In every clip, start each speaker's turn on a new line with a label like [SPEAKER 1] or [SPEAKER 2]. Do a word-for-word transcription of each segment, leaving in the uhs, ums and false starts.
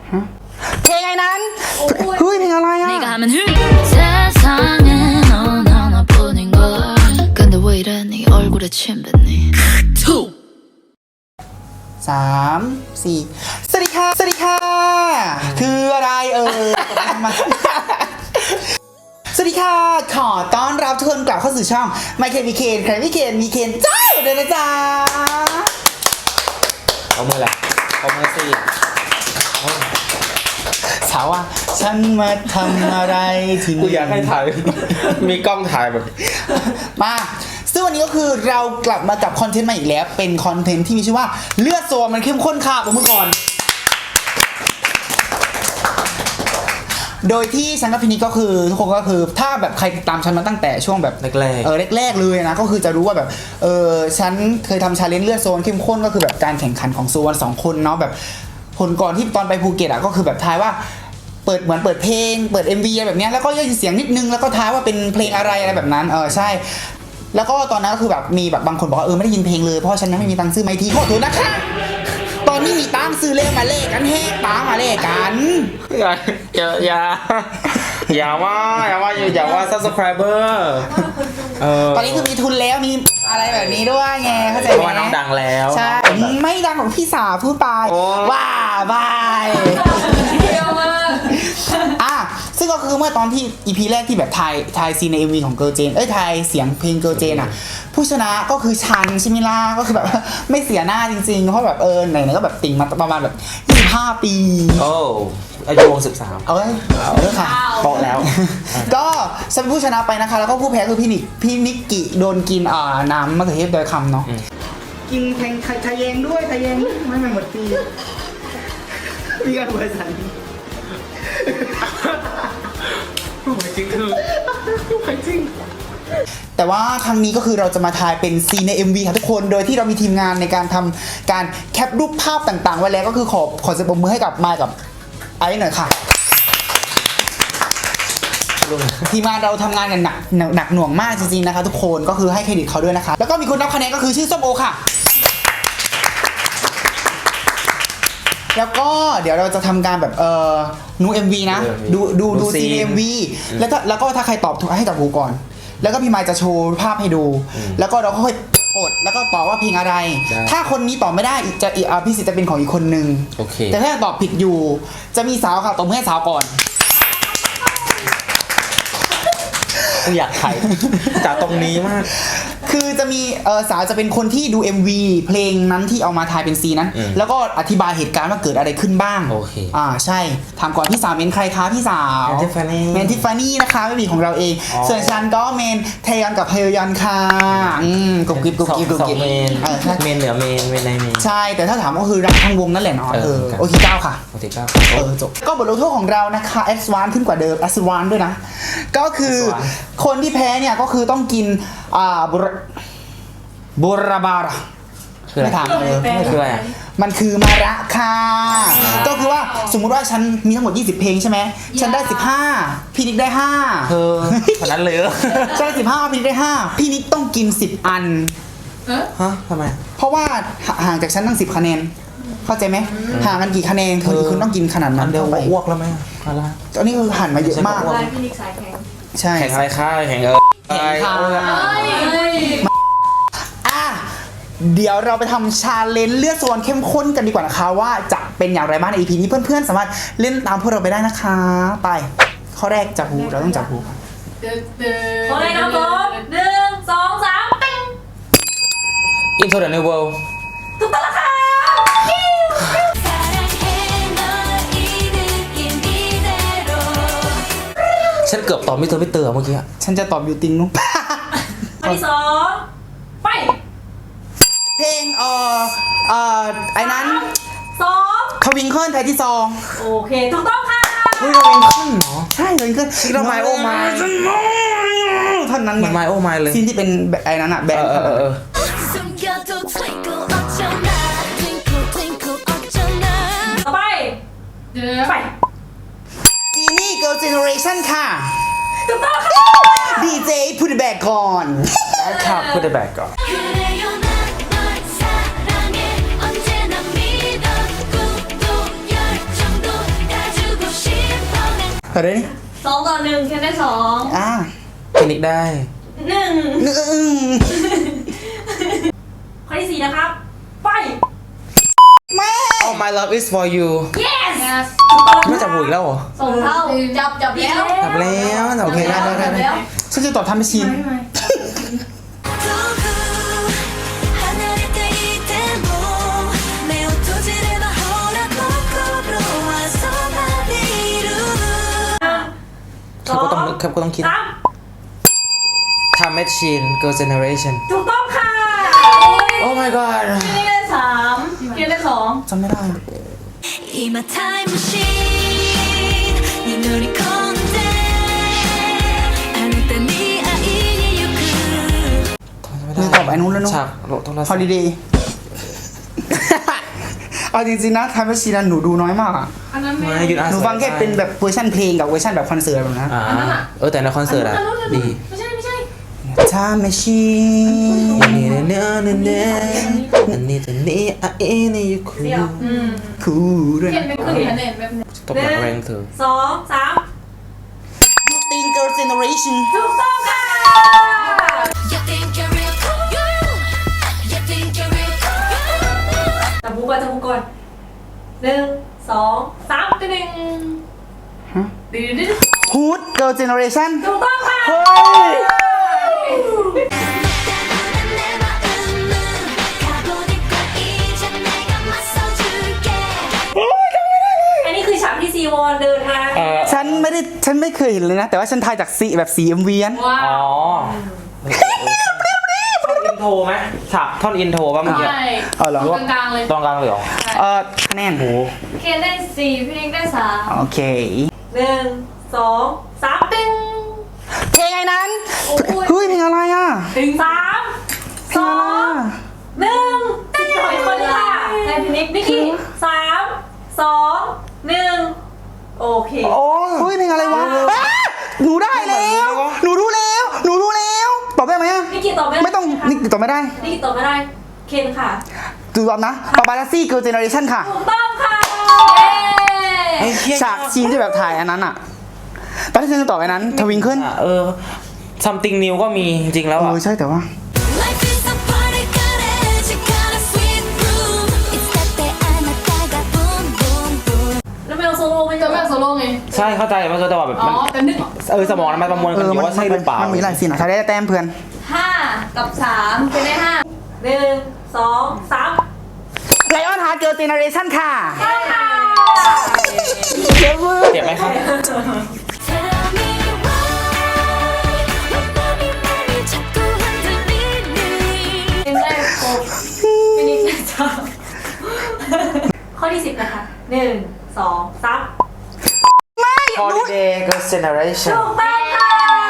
[SPEAKER 1] เพลงไอ้นั้นเฮ้ยเพลงอะไรอ่ะสามสี่สวัสดีค่ะสวัสดีค่ะคืออะไรเออมาสวัสดีค่ะขอต้อนรับทุกคนกลับเข้าสู่ช่องไมเคิลมีเคนใครมีเคนมีเคนจ้าเดินนะจ๊ะ
[SPEAKER 2] เอามือแหละเอามือสิ
[SPEAKER 1] สาวว่าฉันมาทำอะไรที่นี่
[SPEAKER 2] กูอยากให้ถ่ายมีกล้องถ่ายแบบ
[SPEAKER 1] มาซึ่งวันนี้ก็คือเรากลับมากับคอนเทนต์ใหม่อีกแล้วเป็นคอนเทนต์ที่มีชื่อว่าเลือดโซนมันเข้มข้นค่ะผมเมื่อก่อนโดยที่ฉันกับพี่นิกก็คือทุกคนก็คือถ้าแบบใครติดตามฉันมาตั้งแต่ช่วงแบบ
[SPEAKER 2] แรกๆ
[SPEAKER 1] เออแรกๆเลยนะก็คือจะรู้ว่าแบบเออฉันเคยทำชาเลนจ์เลือดโซนเข้มข้นก็คือแบบการแข่งขันของโซนสองคนเนาะแบบผลก่อนที่ตอนไปภูเก็ตอ่ะก็คือแบบทายว่าเปิดเหมือนเปิดเพลงเปิด เอ็ม วี อะไรแบบนี้แล้วก็ได้ยินเสียงนิดนึงแล้วก็ทายว่าเป็นเพลงอะไรอะไรแบบนั้นเออใช่แล้วก็ตอนนั้นก็คือแบบมีแบบบางคนบอกว่าเออไม่ได้ยินเพลงเลยเพราะฉันยังไม่มีตังค์ซื้อไมค์ทีขอโทษนะคะตอนนี้มีตังค์ซื้อเลขมาเลขกันแฮกตามาเลขกัน
[SPEAKER 2] อย่าอย่าอย่าอย่าว่าอย่าว่าอย่าว่า subscriber
[SPEAKER 1] เออตอนนี้คือมีทุนแล้วมีอะไรแบบนี้ด้วยไงเข้าใจไหม
[SPEAKER 2] เพราะว่าน้องดังแล้ว
[SPEAKER 1] ใช่ไม่ดังของพี่สาวพูดไปว่าบายอ่ะซึ่งก็คือเมื่อตอนที่ อี พี แรกที่แบบถ่ายถ่ายซีนใน เอ็ม วี ของเกิร์ลเจนเอ้ยถ่ายเสียงเพลงเกิร์ลเจนอ่ะผู้ชนะก็คือชันใช่ไหมล่ะก็คือแบบไม่เสียหน้าจริงๆเพราะแบบเออไหนๆก็แบบติ่งมาประมาณแบบยี่สิบห้าปี
[SPEAKER 2] โอ้อายุสิบสาม
[SPEAKER 1] เอาเลยเอาเลยค่ะบอกแล้วก็ฉันเป็นผู้ชนะไปนะคะแล้วก็ผู้แพ้คือพี่นิกพี่นิกกิโดนกินอ่าน้ำมะเขือเทศโดยคำเนาะกินแทงไทยเยงด้วยไทยเยงไม่ไม่หมดปีมีการบริษัท
[SPEAKER 2] จริงคือจริง
[SPEAKER 1] แต่ว่าครั้งนี้ก็คือเราจะมาถ่ายเป็นซีนใน เอ็ม วี ค่ะทุกคนโดยที่เรามีทีมงานในการทำการแคปรูปภาพต่างๆไว้แล้วก็คือขอขอเสียงปรบมือให้กับมายกับไอ้หน่อยค่ะทีมงานเราทำงานกันหนักหนักหน่วงมากจริงๆนะคะทุกคนก็คือให้เครดิตเขาด้วยนะคะแล้วก็มีคนนับคะแนนก็คือชื่อส้มโอค่ะแล้วก็เดี๋ยวเราจะทำการแบบเออนู เอ็ม วี นะดูดูดูซีน เอ็ม วี แล้วถ้าแล้วก็ถ้าใครตอบถูกให้จับหูก่อนแล้วก็พี่มายจะโชว์ภาพให้ดูแล้วก็เราค่อยกดแล้วก็ตอบว่าเพลงอะไรถ้าคนนี้ตอบไม่ได้จะอีกพี่สิทธิ์จะเป็นของอีกคนนึงแต่ถ้าตอบผิดอยู่จะมีสาวค่ะตบมือให้สาวก่อน
[SPEAKER 2] อยากถ่ายจากตรงนี้มาก
[SPEAKER 1] คือจะมีเออสาวจะเป็นคนที่ดู เอ็ม วี เพลงนั้นที่เอามาถ่ายเป็นซีนั้นแล้วก็อธิบายเหตุการณ์ว่าเกิดอะไรขึ้นบ้าง
[SPEAKER 2] โอเค
[SPEAKER 1] อ่าใช่ถามก่อนพี่สาวเมนใครคะพี่สาว
[SPEAKER 2] เมนทิฟานี่
[SPEAKER 1] เมนทิฟานี่นะคะไม่มีของเราเองส่วนฉันก็เมนเทยอนกับเฮยอนค่ะอืมกุ๊กกิ๊บกุ๊กกิ๊บกุ๊กกิ๊บ
[SPEAKER 2] เมนเมนเหนือเมนเมนในเมน
[SPEAKER 1] ใช่แต่ถ้าถามก็คือรักทั้งวงนั่นแหละเนาะเออโอเคเก้าค่ะ
[SPEAKER 2] โอเคเก้า
[SPEAKER 1] เออจบก็บทลงโทษของเรานะคะแอดวานซ์ขึ้นกว่าเดิมแอดวานซ์ด้วยนะก็คือคนที่แพ้เนี่ยก็คือต้องกินอ่าบูราบาระ
[SPEAKER 2] คืออะไร
[SPEAKER 1] ไม่ถามเลย
[SPEAKER 2] คืออะไร
[SPEAKER 1] มันคือมาระค่ะก็คือว่าสมมุติว่าฉันมีทั้งหมดยี่สิบเพลงใช่ไหมฉันได้สิบห้าพี่นิกได้ห้า
[SPEAKER 2] เธอขนาดนั้นเลย
[SPEAKER 1] ฉันได้สิบห้าพี่นิกได้ห้าพี่นิกต้องกินสิบอัน
[SPEAKER 2] ฮะทำไม
[SPEAKER 1] เพราะว่าห่างจากฉันตั้งสิบคะแนนเข้าใจไหมห่างกันกี่คะแนนเธอคุณต้องกินขนาดนั้น
[SPEAKER 2] เดี๋ยวอ้วกแล้วไหมอะไร
[SPEAKER 1] ตอนนี้คือหันมาเยอะมาก
[SPEAKER 3] พี่นิกสายแข็ง
[SPEAKER 1] ใช่
[SPEAKER 2] แข่งอะไรค่าแข่งเออ
[SPEAKER 1] แข่งค่ะเดี๋ยวเราไปทำชาเลนจ์เลือดโซนเข้มข้นกันดีกว่านะคะว่าจะเป็นอย่างไรบ้างใน อี พี นี้เพื่อนๆสามารถเล่นตามพวกเราไปได้นะคะไปข้อแรกจับหูเราต้องจับหู
[SPEAKER 3] ข้อแรกครับผมหนึ่งสองสามปิ้ง
[SPEAKER 2] Into the New World
[SPEAKER 3] ถูกต้องแล้วค่ะ
[SPEAKER 2] ฉันเกือบตอบมิเตอร์มิเตอร์เมื่อกี้
[SPEAKER 1] ฉันจะตอบยูติงนุ๊ก
[SPEAKER 3] อันที่สองไป
[SPEAKER 1] เพลงเอ่อเอ่อไอ้นั้น
[SPEAKER 3] สอง
[SPEAKER 1] ทวิงเคิลไทยที่ซอง
[SPEAKER 3] โอเคถูกต้องค่ะ
[SPEAKER 1] เฮ้ยทวิงเคิลเหรอใช่ทวิงเคิล
[SPEAKER 2] ชิคกี้พายโอ้ไม
[SPEAKER 1] ท่อนนั้น
[SPEAKER 2] ไงไมโอ้ไมเลย
[SPEAKER 1] ซีนที่เป็นไอ้นั้นอะแบนด์
[SPEAKER 3] ต่อไปไป
[SPEAKER 1] จีนี่เกิร์ลเจเนอเรชั่นค่ะ
[SPEAKER 3] ถูกต้องค่ะ
[SPEAKER 1] ดีเจพูดแบกก่อน
[SPEAKER 2] ครับพูดแบกก่อน
[SPEAKER 1] เอะไรนี่
[SPEAKER 3] สองต่อหนึ่งเคนได้สอง
[SPEAKER 1] อ่า
[SPEAKER 2] คลินิกได้
[SPEAKER 3] หนึ่ง
[SPEAKER 1] หนึ่ง
[SPEAKER 3] ข้อที่สี่นะครับ ไป
[SPEAKER 1] แม่
[SPEAKER 2] Oh my love is for you
[SPEAKER 3] yes
[SPEAKER 2] ไม่จับหูอีกแล้วเหรอ
[SPEAKER 3] ส่งเท่าจับจับแล้ว
[SPEAKER 2] จับแล้วโอเคได้ได้ได้ได้
[SPEAKER 1] ฉันจะตอบทำไม่ชิน
[SPEAKER 2] ครับก็ต้องนึกครับก็ต้องคิด
[SPEAKER 3] สาม
[SPEAKER 2] Time Machine Girl Generation
[SPEAKER 3] ถูกต้องค่ะ
[SPEAKER 2] Oh my god
[SPEAKER 3] เคนได้สามเคนได้สอง
[SPEAKER 1] จำไม่ได้
[SPEAKER 4] 今タイムマシーンに乗り込んであなたに会いに行く
[SPEAKER 1] นี่ตอบไอ้นู้นแล้วเนอะ
[SPEAKER 2] ฉากโทรศัพท์
[SPEAKER 1] Holiday เอาจริงๆนะทำให้ชีนันหนูดูน้อยมากอะ
[SPEAKER 3] อันนั้นไม่
[SPEAKER 2] ไม่หยุดอ่าน
[SPEAKER 1] หนูฟังแค่เป็นแบบเวอร์ชันเพลงกับเวอร์ชันแบบคอนเสิร์ตแบบนั้น
[SPEAKER 2] อ่าเออแต่ในคอนเสิร์ตอะดี
[SPEAKER 3] ไม่ใช่ไม่ใช่
[SPEAKER 1] ถ้าไม่ชี
[SPEAKER 2] นี่เนื้อเนื้อเนื้ออันนี้จะนี่อ่ะเอ็นี่ยูคู
[SPEAKER 3] เดี๋ยวอืม
[SPEAKER 1] คูด้วย
[SPEAKER 3] เคน
[SPEAKER 1] นะ
[SPEAKER 3] เป็นขึ้นคะแนนแบบหนึ่ง
[SPEAKER 2] ตบหลังแรงเธอ
[SPEAKER 3] สองสาม
[SPEAKER 1] ติงเกิร์ลเจเนอเรชั่น
[SPEAKER 3] ถูกต้องค่ะ
[SPEAKER 4] You think you're real cool You think you're real cool
[SPEAKER 3] จับบุกก่อนจับบุกก่อนหนึ่งสองสามตึ้งหนึ่งดื้อดื้อ
[SPEAKER 1] ฮูดเกิร์ลเจเนอเรชั่น
[SPEAKER 3] ถูกต้องค่ะ
[SPEAKER 1] เฮ้ย
[SPEAKER 4] 내 마음은 가보니까 이제 내가 맞서줄게
[SPEAKER 3] อันนี้คือฉากที่ซีวอนเดินมา
[SPEAKER 2] เออ
[SPEAKER 1] ฉันไม่ได้ฉันไม่เคยเห็นเลยนะ แต่ว่าฉันทายจากสีแบบสีเอ็มวีน
[SPEAKER 3] ว้า
[SPEAKER 2] อ๋อ
[SPEAKER 3] ว
[SPEAKER 2] อินโทรไหมฉากท่อนอินโทรป่ะเมื่อกี้
[SPEAKER 3] ใช่
[SPEAKER 1] อ๋อเหรอ
[SPEAKER 3] ตรงกลางเลย
[SPEAKER 2] ตรงกลางเลยเหรอ
[SPEAKER 1] เออคะแนน
[SPEAKER 2] โอ้
[SPEAKER 3] เคนได้สี่พี่เอกได้สาม
[SPEAKER 1] โอเค
[SPEAKER 3] หนึ่งสองสามตึ้ง
[SPEAKER 1] เพลงไอ้นั้น
[SPEAKER 3] โอ้ย
[SPEAKER 1] เฮ้ยเพลงอะไรอ่ะ
[SPEAKER 3] ตึ้งสามสองหนึ่งตึ้งอีกคนนึงค่ะนายพินิกนิกกี้สามสองหนึ่งโอเค
[SPEAKER 1] โอ้เฮ้ยเพลงอะไรวะอ่ะหนูได้แล้ว หนูรู้แล้ว หนูรู้แล้ว ตอบได้ไหมอ่ะ
[SPEAKER 3] นิกกี้ตอบไม่ได้
[SPEAKER 1] ไม่ต้องนี่ตอบไม่ได้
[SPEAKER 3] นิกกี้ตอบไม่ได้ เคนค่ะ
[SPEAKER 1] ดูตอบนะปาปาลัสซี่เกิร์ลเจเนอเรชั่นค่ะ
[SPEAKER 3] ถูกต้องค่ะ
[SPEAKER 2] ไอ้เหี้ย
[SPEAKER 1] ฉากซีนที่แบบถ่ายอันนั้นอ่ะตอนที่ฉันจะตอบไอ้นั้นทวิงเกิล
[SPEAKER 2] อ่ะเออ something new ก็มีจริงๆแล้ว
[SPEAKER 1] เอ
[SPEAKER 2] อ่ะ
[SPEAKER 1] อใช่แต่ว่า
[SPEAKER 4] Life is a party 가래지 가라 sweet room It's that day 아나타가 boom boom boom
[SPEAKER 3] แล้วไม่เอาโซโล่ไม่
[SPEAKER 5] จะ
[SPEAKER 3] ใช่
[SPEAKER 5] ไม่เอาโซโล่ไง
[SPEAKER 2] ใช่เข้าใจมันก็จะแบบ
[SPEAKER 5] อ๋อ
[SPEAKER 2] มัน
[SPEAKER 5] แต่นึกออก
[SPEAKER 2] เออสมองมันประมวล
[SPEAKER 1] เอ
[SPEAKER 2] กันอ
[SPEAKER 1] อยู่ มัน
[SPEAKER 2] ว่าใช่หรือเปล่า
[SPEAKER 1] มันมีหลายซีนอ่ะใช้ได้แต้มเพื่อน
[SPEAKER 3] ห้ากับสามเป็นได้ห้าหนึ่งสองสาม
[SPEAKER 1] ไลออนฮาร์ดเกิร์ลเจเนอเรชั่นค่ะ
[SPEAKER 3] ใช่ค่ะ
[SPEAKER 1] เจ็บมือ
[SPEAKER 2] เจ็บไหมครับ
[SPEAKER 4] Tell me why 왜 맘이 많이 자꾸 흔들리니
[SPEAKER 3] เพลงแรกครบพี่นิกได้สามข้อที่สิบนะคะหนึ่งสองสาม
[SPEAKER 2] Holiday Girl Generation
[SPEAKER 3] ถูกต้องค่ะ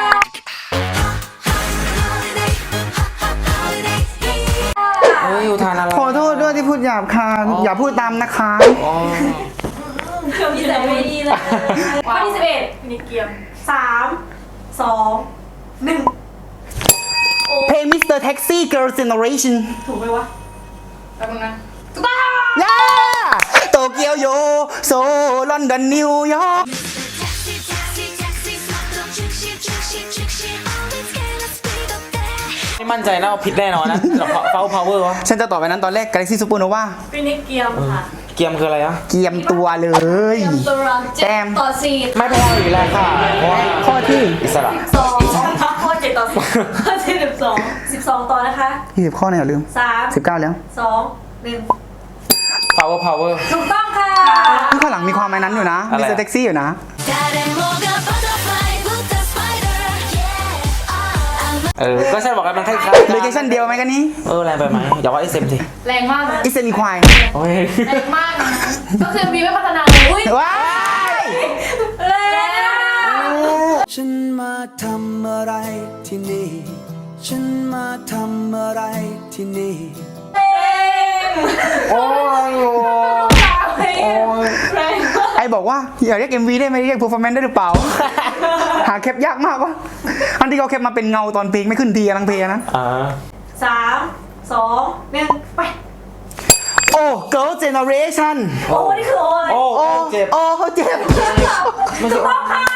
[SPEAKER 4] Holiday holiday
[SPEAKER 2] เฮ้ยอุทานอะไร
[SPEAKER 1] ขอโทษด้วยที่พูดหยาบคายอย่าพูดตามนะคะ
[SPEAKER 2] อ๋อ
[SPEAKER 3] เครื่องที่ใส่ไม่ดีเลยข้อที่สิบเอ็ดพี่นิกเกียมสามสองหนึ่งโอ้
[SPEAKER 1] เพลง มิสเตอร์ Taxi Girl Generation
[SPEAKER 3] ถูกไหมวะ
[SPEAKER 5] แป๊บนึงนะ
[SPEAKER 3] ถูกต้อง
[SPEAKER 1] ย่าโตเกียวโยโซลอนดอนนิวยอร์ก
[SPEAKER 4] Taxi taxi taxi 스마트로 즉시 즉시 즉시 Always gonna speed up there
[SPEAKER 2] ไม่มั่นใจนะว่าผิดแน่นอนนะเฝ้า power วะ
[SPEAKER 1] ฉันจะตอบไปนั้นตอนแรก Galaxy Supernova
[SPEAKER 3] พี่นิกเกียมค่ะ
[SPEAKER 2] เกียมคืออะไรอะ
[SPEAKER 1] เกียมตัวเลย
[SPEAKER 3] ตัวเราเจ็
[SPEAKER 1] แต้
[SPEAKER 3] ด
[SPEAKER 1] ม
[SPEAKER 3] ต่อสี่
[SPEAKER 2] ไม่แพ้อีกแล้วค่ะเพราะว่า
[SPEAKER 1] ข้อที่
[SPEAKER 2] อิสระ
[SPEAKER 3] สองข้อเจ็ดต่อสี่ข้อที่สิบสองสิบสองต่อนะคะ
[SPEAKER 1] ยี่สิบข้อเนี่ยอย่าลืม
[SPEAKER 3] สาม
[SPEAKER 1] สิบเก้าแล้ว
[SPEAKER 3] สองหนึ่ง
[SPEAKER 2] power power
[SPEAKER 3] ถูกต้องค่ะ
[SPEAKER 1] นี่ข้างหลังมีความไอ้นั้นอยู่นะ
[SPEAKER 2] อะไร
[SPEAKER 1] มิสเตอร์ Taxi อยู่นะ
[SPEAKER 4] 誰もが butterfly with the spider yeah I'm
[SPEAKER 2] เออ ก็ใช่บอกกันมันคล้าย
[SPEAKER 1] โลเคชั่นเดียวไหมกันนี้
[SPEAKER 2] เออแรงไปไหมอย่าว่าไอเซมสิ
[SPEAKER 5] แรงมากนะ
[SPEAKER 1] อิสเซนีควาย
[SPEAKER 2] โอ้ย
[SPEAKER 5] แรงมากนะก็คือมีไม่พัฒนาเลยอุ้ย
[SPEAKER 1] ว้าย
[SPEAKER 3] แรงอะ
[SPEAKER 6] ฉันมาทำอะไรที่นี่ ฉันมาทำอะไรที่นี่
[SPEAKER 3] แรง
[SPEAKER 2] โอ้ยโอ้ย
[SPEAKER 3] แรงมาก
[SPEAKER 1] ไอบอกว่าอย่าเรียก เอ็ม วี ได้ไหมเรียก performance ได้หรือเปล่า หาแคปยากมากวะอันที่เขาแคปมาเป็นเงาตอนเพลงไม่ขึ้นทีอะทั้งเพลงนะ
[SPEAKER 2] อ่า
[SPEAKER 3] สามสองหนึ่งไป
[SPEAKER 1] โอ้ Girl Generation
[SPEAKER 3] โอ้นี่คือโอ้เลย
[SPEAKER 2] โอ้
[SPEAKER 1] โอ้
[SPEAKER 2] เจ็บ
[SPEAKER 1] โอ้เขาเจ็บ
[SPEAKER 2] ไม่ใช่
[SPEAKER 3] ถูกต้องค่ะ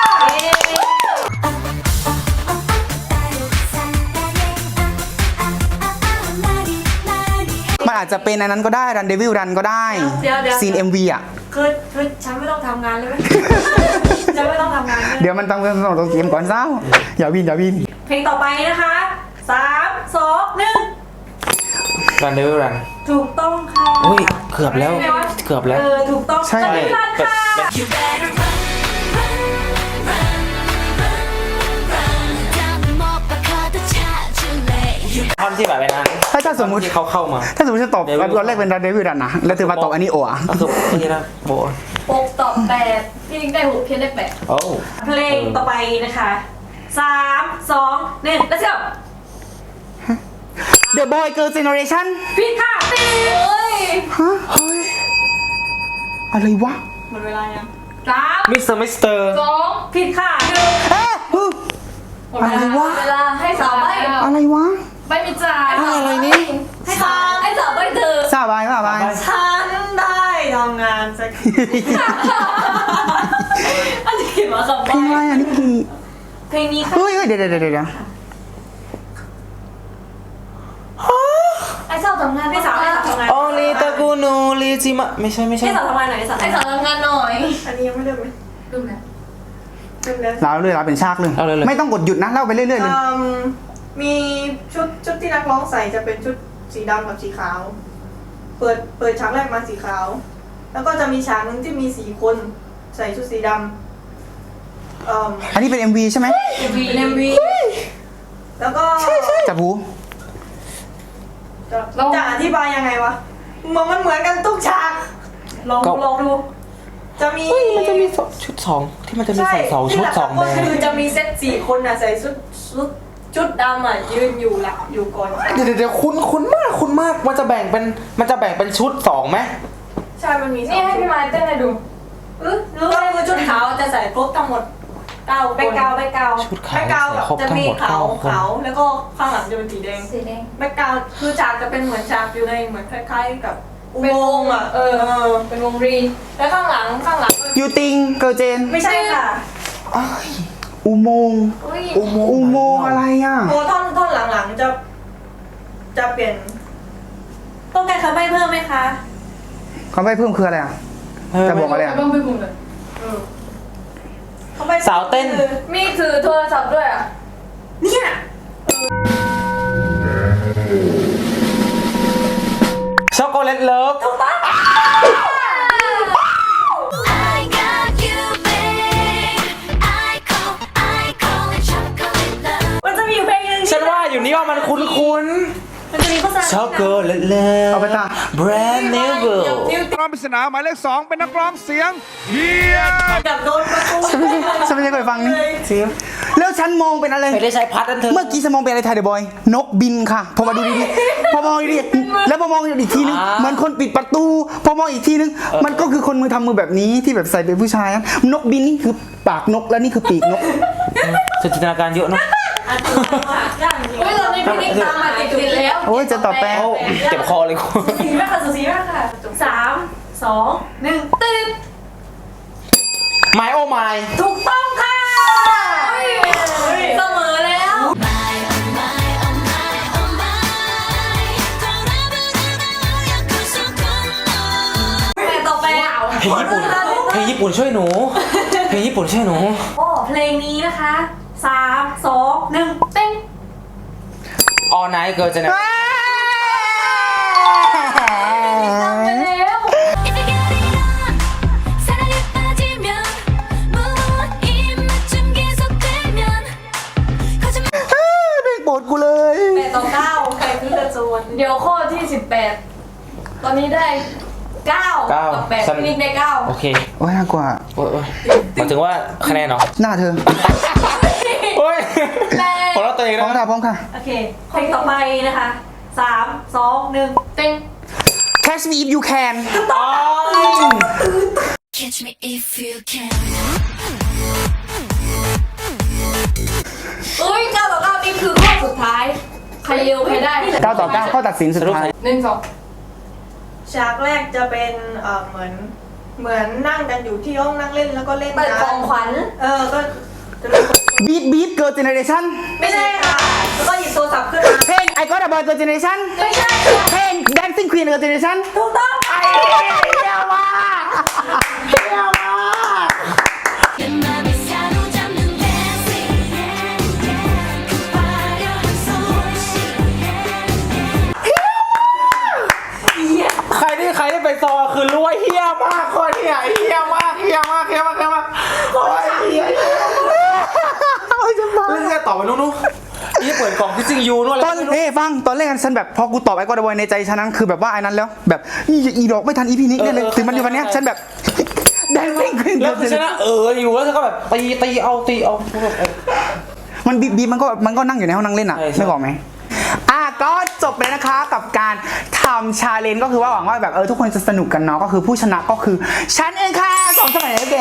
[SPEAKER 1] มันอาจจะเป็นอันนั้นก็ได้ Run Devil Run ก็ได้
[SPEAKER 3] เดี๋ยวเดี๋ยว
[SPEAKER 1] ซีน เอ็ม วี อ่ะ
[SPEAKER 3] คือคือฉันไม่ต้องทำงานเลยไหม ฉันไม่ต้องทำงานเลย
[SPEAKER 1] เดี๋ยวมันต้องต้องต้องเกมก่อนเศร้าอย่าวินอย่าวิน
[SPEAKER 3] เพลงต่อไปนะคะสามสองหนึ่ง
[SPEAKER 2] รันเดอร์รัน
[SPEAKER 3] ถูกต้องค่ะ
[SPEAKER 2] อุ้ยเกือบแล้วเกือบแล้ว
[SPEAKER 3] เออถูกต้อง
[SPEAKER 1] ใช่
[SPEAKER 3] จะไม่พลาดค่ะ
[SPEAKER 4] You better run, run, run, run, run. 다음은 못 바꿔도 찾을래. You
[SPEAKER 2] ท่อนที่แบบไปนั้น
[SPEAKER 1] ถ้าถ้าสมมุติ
[SPEAKER 2] ที่เขาเข้ามา
[SPEAKER 1] ถ้าสมมติฉันตอบตอนแรกเป็น Run Devil Run นะแล้วเธอมาตอบอันนี้โอ่ะ
[SPEAKER 2] ก็คือที่นะโบ
[SPEAKER 5] หกตอบแปดพี่นิกได้หกเพียนได้แปด
[SPEAKER 2] โอ้
[SPEAKER 3] เพลงต่อไปนะคะสามสองหนึ่งแล้วเจ้า
[SPEAKER 1] The Boy Girl Generation
[SPEAKER 3] ผิดค่ะตี
[SPEAKER 5] เฮ้ย
[SPEAKER 1] ฮะเฮ้ยอะไรวะ
[SPEAKER 3] หมดเวลายัง
[SPEAKER 5] สาม
[SPEAKER 2] มิสเตอร์มิสเตอร์
[SPEAKER 5] สอง
[SPEAKER 3] ผิดค่ะหนึ่ง
[SPEAKER 1] เอ๊ะฮึ
[SPEAKER 5] หมดเวลา
[SPEAKER 1] อะไรวะ
[SPEAKER 5] เวลาให้สาวใบ
[SPEAKER 1] อะไรวะ
[SPEAKER 5] ใบมีจ่าย
[SPEAKER 1] อะไรนี่
[SPEAKER 5] ให้สาวให้สาวใบเธอ
[SPEAKER 1] ทราบไหมทราบไหม
[SPEAKER 3] ฉันได้ทำงานสักทีอันนี้เขียนมาคำ
[SPEAKER 1] เพลงอะไรอ่ะนิกกี้
[SPEAKER 3] เพลงนี้ค่ะ
[SPEAKER 1] เฮ้ยเฮ้ยเดี๋ยวเดี๋ยวเดี๋ยวเดี๋ยว
[SPEAKER 5] ไอ้สาวทำงาน
[SPEAKER 3] ให้สาวให้สาวทำงาน
[SPEAKER 2] โอลิตากูนูลิจิมะไม่ใช่ไม่ใช่
[SPEAKER 3] ให้สาวทำงานหน่อยให้สาว
[SPEAKER 5] ไอ้สาวทำงานหน่อย
[SPEAKER 3] อันนี้ยังไม่เริ่มไหม
[SPEAKER 5] ดูนะ
[SPEAKER 3] เริ่มแล้ว
[SPEAKER 1] เราเลยเราเป็นชากเลย
[SPEAKER 2] เอาเลยเลย
[SPEAKER 1] ไม่ต้องกดหยุดนะเล่าไปเรื่อยๆเลย
[SPEAKER 7] อืมมีชุดชุดที่นักร้องใส่จะเป็นชุดสีดำกับสีขาว เปิดเปิดฉากแรกมาสีขาว แล้วก็จะมีฉากหนึ่งที่มีสี่คนใส่ชุดสีดำเอ่อ
[SPEAKER 1] อันนี้เป็น เอ็ม วี ใช่ไหม
[SPEAKER 7] เป็นเอ็มวีแล้วก็
[SPEAKER 1] จับหู
[SPEAKER 7] จะจะอธิบายยังไงวะเหมือนมันเหมือนกันทุกฉาก
[SPEAKER 3] ลองดูลองดู
[SPEAKER 7] จะมี
[SPEAKER 2] มันจะมีชุดสองที่มันจะมีใส่สองชุดสองแบ
[SPEAKER 7] ก็
[SPEAKER 2] บ
[SPEAKER 7] คือจะมีเซตสี่คนอ่ะใส่ชุดชุดชุดดำอ่ะยืนอยู่หลักอยู่ก่อน
[SPEAKER 2] เดี๋ยวเดี๋ยวคุณคุณมากคุณมากมันจะแบ่งเป็นมันจะแบ่งเป็นชุดสองไหม
[SPEAKER 7] ใช่มันมีสอง
[SPEAKER 5] นี่ให้พี่ไม้เต้นให้ดู
[SPEAKER 7] เออก็คือชุดขาวจะใส่ครบทั้งหมดเก้าคน
[SPEAKER 3] แบ็คกราวด์แบ็คกราวด์
[SPEAKER 2] ชุดขา
[SPEAKER 7] แบ็
[SPEAKER 2] ว
[SPEAKER 7] คกราวด์
[SPEAKER 2] ใส่ครบ
[SPEAKER 7] จะ
[SPEAKER 2] ทั้ง
[SPEAKER 7] มี
[SPEAKER 2] หมด
[SPEAKER 7] ขาว
[SPEAKER 2] เก้าคน
[SPEAKER 7] ขาวแล้วก็ข้างหลังจะเป็นสีแดง
[SPEAKER 5] สีแดง
[SPEAKER 7] แบ็คกราวด์คือฉากจะเป็นเหมือนฉากอยู่ในเหมือนคล้ายๆกับอุโมงค์อ่ะ
[SPEAKER 5] เออ เป็นวงรี
[SPEAKER 7] แล้วข้างหลังข้างหลัง
[SPEAKER 1] ยูติงเกิร์ลเจน
[SPEAKER 7] ไม่ใช่ค่ะ
[SPEAKER 1] อุโมงค์
[SPEAKER 5] อุ้ย
[SPEAKER 2] อุโมงค์
[SPEAKER 1] อุโมงค์อะไรอ่ะ
[SPEAKER 7] โอ้ท่อนท่อนหลังๆจะจะเปลี่ยน
[SPEAKER 3] ต้องการคำใบ้เพิ่มไหมคะ
[SPEAKER 1] คำใบ้เพิ่มคืออะไรอ่ะ จะบอกอะไรอ่ะ
[SPEAKER 5] ต้องไปกลุ่มเลย
[SPEAKER 7] เออเขาไป
[SPEAKER 2] สาวเต้น
[SPEAKER 7] คือ
[SPEAKER 5] มีถือโทรศัพท์ด้วยอ่ะ
[SPEAKER 7] เนี่ย
[SPEAKER 2] ช็อกโกแลตเลิฟ
[SPEAKER 4] I got you, babe. I call, I call it chocolate love.
[SPEAKER 3] มันจะมีอยู่เพลงหนึง
[SPEAKER 2] ฉันว่าอยู่นี่ว่ามันคุ้นคุ้น
[SPEAKER 3] มันจะมีโฆษณา
[SPEAKER 2] ช็อกโกแลตเลิฟ
[SPEAKER 1] เอาไปตา
[SPEAKER 2] แบรนด์เนเวล
[SPEAKER 8] รอบปริศนาหมายเลขสองเป็นนักร้องเสียงเฮีย
[SPEAKER 7] กับโดนประตู
[SPEAKER 1] ฉันไม่ใช่ฉันไม่ใช่เคยฟังนี่แล้วฉันมองเป็นอะไร
[SPEAKER 2] ไม่ได้ใช้พัดนั่นเธอ
[SPEAKER 1] เมื่อกี้ฉันมองเป็นอะไรไทยเดอะบอย นกบินค่ะ พอมาดูดีๆ พอมองดีๆแล้วพอมองอีกทีนึง
[SPEAKER 2] อ่า
[SPEAKER 1] เหมือนคนปิดประตู พอมองอีกทีนึง มันก็คือคนมือทำมือแบบนี้ที่แบบใส่เป็นผู้ชายอะนกบินนี่คือปากนกแล้วนี่คือปีกนก
[SPEAKER 2] เธอจินตนาการเยอะเนาะ
[SPEAKER 3] อันนี้ค่ะย่างจริง
[SPEAKER 5] เฮ้ยตอนนี้พี่นิกตามมาติดๆแล้ว
[SPEAKER 1] โอ้ยจะตอบแปล
[SPEAKER 2] โอ้เจ็บคอเลยคุณ
[SPEAKER 3] สีมากค่ะสุสีมากค่ะสามสองหนึ่งตึ๊ด
[SPEAKER 2] ไมโอไม
[SPEAKER 3] ถูกต้องค่ะ
[SPEAKER 5] เสมอแล้ว
[SPEAKER 4] My, oh my, oh my, oh my. 돌아보는 너야 그 순간 너.
[SPEAKER 3] เพลงต่อไป
[SPEAKER 2] เพลงญี่ปุ่นเพลงญี่ปุ่นช่วยหนูเพลงญี่ปุ่นช่วยหนู
[SPEAKER 3] โอ้เพลงนี้นะคะสามสองหนึ่ง
[SPEAKER 5] เต้น
[SPEAKER 2] All Night Girl Generation
[SPEAKER 5] ไปแล้ว
[SPEAKER 4] If you get it on 사랑에 빠지면 무엇 입맞춤 계속되면 거짓말
[SPEAKER 1] เพลงโปรดกูเลย
[SPEAKER 3] แปดต่อเก้าใครคือจะโจน
[SPEAKER 5] เดี๋ยวข้อที่สิบแปดตอนนี้ได้เก้า
[SPEAKER 2] เก้า
[SPEAKER 5] กับแปด
[SPEAKER 2] ฉัน
[SPEAKER 5] พี่นิกได้เก้า
[SPEAKER 2] โอเค
[SPEAKER 1] โอ้ยน่ากลัว
[SPEAKER 2] โอ้ยโอ้ยหมายถึงว่าคะแนนเหรอ
[SPEAKER 1] หน้าเธอ
[SPEAKER 2] โอ้ย
[SPEAKER 5] แปด
[SPEAKER 2] ขอรับตัวเอง
[SPEAKER 1] พร้อม
[SPEAKER 2] นะ
[SPEAKER 1] ค่ะพร้อมค่ะ
[SPEAKER 3] โอเคเพลงต่อไปนะคะสามสองหนึ่ง
[SPEAKER 5] เต้น
[SPEAKER 1] Catch me if you can
[SPEAKER 4] Catch me if you can
[SPEAKER 5] เอ้ยเก้าต่อเก้านี่คือข้อสุดท้าย ใครเร็วใครได้
[SPEAKER 1] เก้าต่อเก้าข้อตัดสินสุดท้าย
[SPEAKER 5] หนึ่งสอง
[SPEAKER 7] ฉฉากแรกจะเป็นเอ่อเหมือนเหมือนนั่งกันอยู่ที่ห้องนั่งเล่นแล้วก็เล่น
[SPEAKER 5] เปิดของขวัญ
[SPEAKER 7] เออก็จะเป็นคน
[SPEAKER 1] บีทบีทเกิร์ลเจเนเรชั่น
[SPEAKER 7] ไม่ใช่ค่ะแล้วก็หยิบโทรศัพท์ขึ้นมา
[SPEAKER 1] เพลง I Got a Boy Girl Generation
[SPEAKER 5] ไม่ใช่
[SPEAKER 1] เพลง Dancing Queen Girl Generation
[SPEAKER 7] ถูกต้อง
[SPEAKER 1] ไอ้เหี้ยมากเหี้ยมาก
[SPEAKER 4] 내 맘을 사로잡는 dancing 그 화려한 손짓
[SPEAKER 2] ใครที่ใครที่ไปซอคือรู้ว่าเฮี้ยมากคนเฮี้ยเฮี้ยมากเฮี้ยมากเฮี้ยมากเฮี้ยมากโอ้ยเฮี้ยโอ้ยจะบ้าเรื่องต่อไปนู้นนู้นนี่เปิดกล่องพิซซิ่งยูนู่น
[SPEAKER 1] ตอนเฮ้ฟังตอนแรกฉันแบบพอกูตอบ I Got a Boy ในใจฉันนั้นคือแบบว่าไอ้นั้นแล้วแบบอีอีดอกไม่ทันอีพีนี้เนี่ยเลยถึงมันอยู่วันเนี้ยฉันแบบ Dancing Queen
[SPEAKER 2] แล้ว
[SPEAKER 1] Girl
[SPEAKER 2] คือชนะ
[SPEAKER 1] Generation
[SPEAKER 2] เอออยู่แล้วเธอก็แบบตีตีเอาตีเอา
[SPEAKER 1] มันบีบบีบมันก็มันก็นั่งอยู่ในห้องนั่งเล่นอ่ะ
[SPEAKER 2] ใช่ใช่
[SPEAKER 1] ไม่บอกไหมอ่ะก็จบไปนะคะกับการทำชาเลนจ์ก็คือว่าหวังว่าแบบเออทุกคนจะสนุกกันเนาะก็คือผู้ชนะก็คือฉันเองค่ะสองสมัยแล้วแก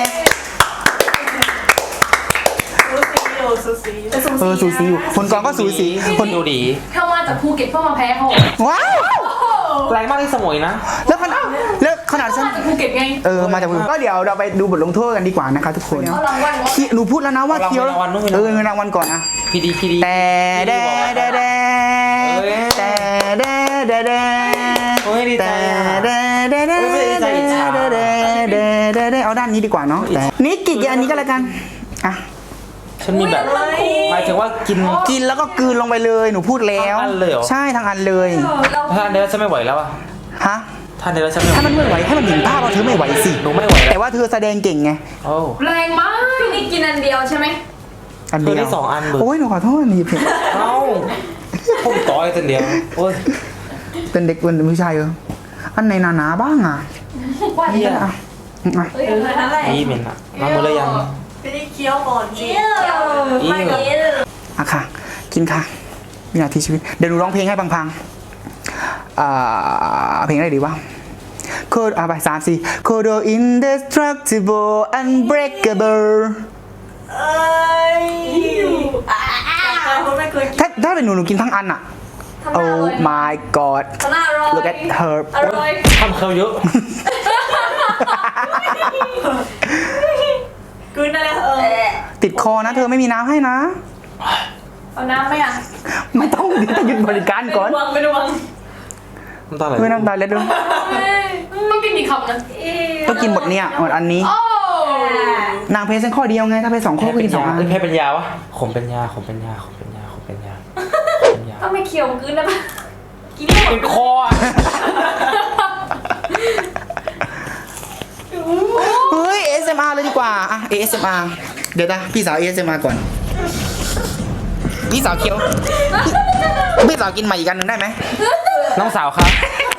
[SPEAKER 7] สูสีอยู่สูสี
[SPEAKER 1] เออสูสีอยู่คนกองก็สูสีคน
[SPEAKER 2] ดูดี
[SPEAKER 5] เข้ามาจากภูเก็ตเพื่อมาแพ้เขา
[SPEAKER 1] ว้าว
[SPEAKER 2] แรงมากที่สมุยนะ
[SPEAKER 1] แล้วขนาดแล้วขนาดฉัน
[SPEAKER 5] มาจากภูเก็ตไง
[SPEAKER 1] เออมาจากมือก็เดี๋ยวเราไปดูบทลงโทษกันดีกว่านะคะทุกคน
[SPEAKER 5] เอารางวัลวะ
[SPEAKER 1] เคี้ยวหนูพูดแล้วนะว่าเคี้ยวเออเงินรางวัลก่อนนะ
[SPEAKER 2] พีดีพีดี
[SPEAKER 1] แต่แดแดแดแต่แดแดแด
[SPEAKER 2] โอ้ยดีใจ
[SPEAKER 1] แต่
[SPEAKER 2] อะ
[SPEAKER 1] แดแดแด
[SPEAKER 2] เฮ้ยไม่ได้ใจอิจฉา
[SPEAKER 1] แดแดแดแดแดเอาด้านนี้ดีกว่าเนาะแต่นี่กี่อันนี้ก็แล้วกันอ่ะ
[SPEAKER 2] ฉันมีแบบหมายถึงว่ากิน
[SPEAKER 1] กินแล้วก็กลืนลงไปเลยหนูพูดแล้ว
[SPEAKER 2] ทั้งอันเลยเหรอ
[SPEAKER 1] ใช่ทั้งอันเลย
[SPEAKER 5] เรา
[SPEAKER 2] ท่านเดียวฉันไม่ไหวแล้วอะ
[SPEAKER 1] ฮะ
[SPEAKER 2] ท่านเดียวฉันไม่ไหว
[SPEAKER 1] ถ้ามันไม่ไหวให้มันเห็นภาพว่าเธอไม่ไหวสิ
[SPEAKER 2] หนูไม่ไหว
[SPEAKER 1] แต่
[SPEAKER 2] แล้ว
[SPEAKER 1] ว่าเธอแสดงเก่งไง
[SPEAKER 2] โอ้
[SPEAKER 5] แรงมากพี่นี่กินอันเดียวใช่ไหม
[SPEAKER 1] อัน
[SPEAKER 2] เธ
[SPEAKER 1] เดี
[SPEAKER 2] อ
[SPEAKER 1] ยว
[SPEAKER 2] ได้สองอันเบิร์
[SPEAKER 1] โอ้ยหนูขอโทษนี่เพียง
[SPEAKER 2] เอ้าผมต่อยตัวเดียวโอ้ย
[SPEAKER 1] เป็นเด็กเป็นผู้ชายเอออันไหนหนาๆบ้างอ่ะ
[SPEAKER 5] ว่า
[SPEAKER 2] เฮีย
[SPEAKER 1] อ่ะอ่ะ
[SPEAKER 5] เฮ้ยอะไรนั่นแหละ
[SPEAKER 2] อีเหม็นอะมาหมดเลยยัง
[SPEAKER 7] ไม่ได้เคี้ยวก่อนสิ
[SPEAKER 2] อี
[SPEAKER 5] ไม่กิน
[SPEAKER 1] อ่ะค่ะ กินค่ะวินาทีชีวิตเดี๋ยวหนูร้องเพลงให้พังๆอ่าเพลงอะไรดีวะ Code อ่ะไปสามสี่ Code indestructible unbreakable
[SPEAKER 7] เอ้ยจากการคนไม่เคยกิน
[SPEAKER 1] ถ้าถ้าเป็นหนูหนูกินทั้งอันอ่ะ
[SPEAKER 5] ทำหน้าอ
[SPEAKER 1] Oh
[SPEAKER 5] ร่อย
[SPEAKER 1] my god
[SPEAKER 5] ทำหน้าอร่อย
[SPEAKER 1] look at her
[SPEAKER 5] อร่อย
[SPEAKER 2] ทำเขาเยอะ
[SPEAKER 7] กลืนอะไรเออ
[SPEAKER 1] ติดคอนะเธอไม่มีน้ำให้นะ
[SPEAKER 5] เอาน้ำไหมอ่ะ
[SPEAKER 1] ไม่ต้องเดี๋ยวจะหยุดบริการก่อน
[SPEAKER 5] ไม่ดวงไม่ดวง
[SPEAKER 2] น้ำตาไหล
[SPEAKER 1] ไม่น้ำตาเล็ดด้วย
[SPEAKER 5] ต้องกินกี่คำนะ
[SPEAKER 1] ต้องกินหมดเนี่ยหมดอันนี้
[SPEAKER 5] โอ้
[SPEAKER 1] นางเพชรเส้นข้อเดียวไงถ้าเพชรสองข้อ
[SPEAKER 2] แพ้
[SPEAKER 1] ก็
[SPEAKER 2] เป็
[SPEAKER 1] กิ
[SPEAKER 2] น
[SPEAKER 1] นสอง
[SPEAKER 2] ยา
[SPEAKER 1] อัน
[SPEAKER 2] เอ้ยแพ้เป็นยาวะขมเป็นยาขมเป็นยาขมเป็นยาขมเป็นยาขมเป็นยา
[SPEAKER 5] ต้องไม่เคี่ยวกินได้ปะกินได้หม
[SPEAKER 2] เป็
[SPEAKER 5] ด
[SPEAKER 2] นคออะ
[SPEAKER 1] เฮ้ย เอ เอส เอ็ม อาร์ เลยดีกว่าอ่ะ เอ เอส เอ็ม อาร์ เดี๋ยวนะพี่สาว เอ เอส เอ็ม อาร์ ก่อนพี่สาวเคี้ยวพี่พี่สาวกินใหม่อีกอันหนึ่งได้ไหม
[SPEAKER 2] น้องสาวครับ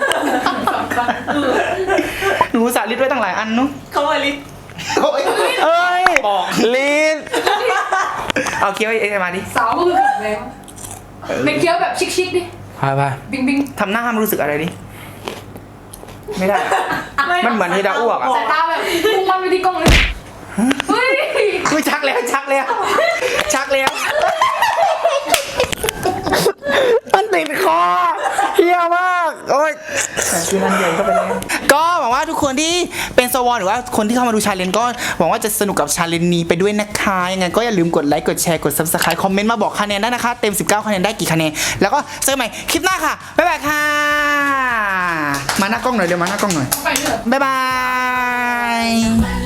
[SPEAKER 1] หนูสาลิดไว้ตั้งหลายอันเนุ๊ก
[SPEAKER 7] เขาเลยลิ้น
[SPEAKER 1] เอ้ยเอ้ย
[SPEAKER 2] ปอก
[SPEAKER 1] ลิ้นเอาเคี้ยว เอ เอส เอ็ม อาร์ ดิ
[SPEAKER 5] สาวก็คือขับแล้วไม่เคี้ยวแบบชิคๆดิ
[SPEAKER 2] พาไป
[SPEAKER 5] บิงบิง
[SPEAKER 1] ทำหน้าห้ามรู้สึกอะไรดิ ไม่ได้ มันเหมือนที่จะอ้วกอะ
[SPEAKER 5] สายตาแบบพุ่งมันไปที่กล้องเลยเฮ้ย
[SPEAKER 1] อุ้ยชักแล้วชักแล้ว ชักแล้ว มันติดคอเฮี้ยมากโอ้ยคือนันใหญ่เข้าไปแล้วก็หวังว่าทุกคนที่เป็นสวอนหรือว่าคนที่เข้ามาดูชาเลนจ์ก็หวังว่าจะสนุกกับชาเลนจ์นี้ไปด้วยนะคะยังไงก็อย่าลืมกดไลค์กดแชร์กด ซับสไครบ์ คอมเมนต์มาบอกคะแนนได้นะคะ เต็มสิบเก้าคะแนนได้กี่คะแนนแล้วก็เจอกันใหม่คลิปหน้าค่ะบ๊ายบายค่ะมาหน้ากล้องหน่อยเร็วมาหน้ากล้องหน่อย
[SPEAKER 5] ไปเถอะ
[SPEAKER 1] บ๊ายบาย